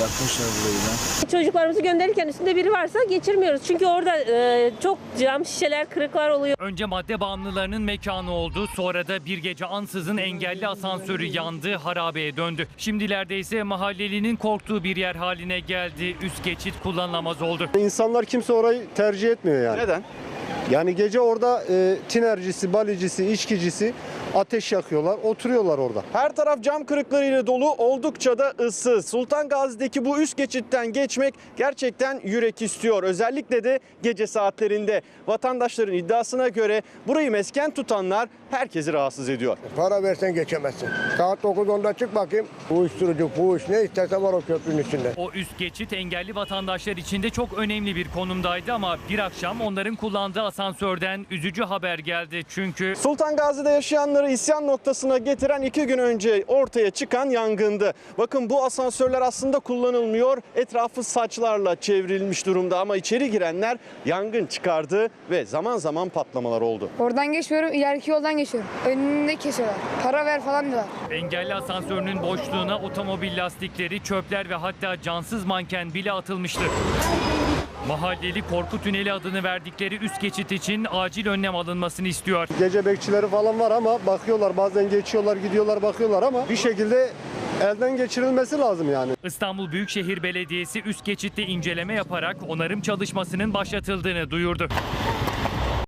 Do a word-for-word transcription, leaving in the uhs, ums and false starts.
bırakmışlar burayı da. Çocuklarımızı gönderirken üstünde biri varsa geçirmiyoruz. Çünkü orada e, çok cam şişeler, kırıklar oluyor. Önce madde bağımlılarının mekanı oldu. Sonra da bir gece ansızın engelli asansörü yandı, harabeye döndü. Şimdilerde ise mahallelinin korktuğu bir yer haline geldi. Üst geçit kullanılamaz oldu. İnsanlar kimse orayı tercih etmiyor yani. Neden? Yani gece orada e, tinercisi, balicisi, içkicisi ateş yakıyorlar, oturuyorlar orada. Her taraf cam kırıklarıyla dolu, oldukça da ıssız. Sultan Gazi'deki bu üst geçitten geçmek gerçekten yürek istiyor. Özellikle de gece saatlerinde. Vatandaşların iddiasına göre burayı mesken tutanlar herkesi rahatsız ediyor. Para versen geçemezsin. Saat dokuz onda çık bakayım. Uyuşturucu, fuhuş ne istersen var o köprünün üstünde. O üst geçit engelli vatandaşlar için de çok önemli bir konumdaydı ama bir akşam onların kullandığı asansörden üzücü haber geldi. Çünkü Sultan Gazi'de yaşayanları isyan noktasına getiren iki gün önce ortaya çıkan yangındı. Bakın bu asansörler aslında kullanılmıyor. Etrafı saçlarla çevrilmiş durumda ama içeri girenler yangın çıkardı ve zaman zaman patlamalar oldu. Oradan geçmiyorum, ileriki yoldan geçiyorum. Önünde kesiyorlar. Para ver falan diyorlar. engelli asansörünün boşluğuna otomobil lastikleri, çöpler ve hatta cansız manken bile atılmıştı. Mahalleli korku tüneli adını verdikleri üst geçit için acil önlem alınmasını istiyor. Gece bekçileri falan var ama bakıyorlar, bazen geçiyorlar, gidiyorlar, bakıyorlar ama bir şekilde elden geçirilmesi lazım yani. İstanbul Büyükşehir Belediyesi üst geçitte inceleme yaparak onarım çalışmasının başlatıldığını duyurdu.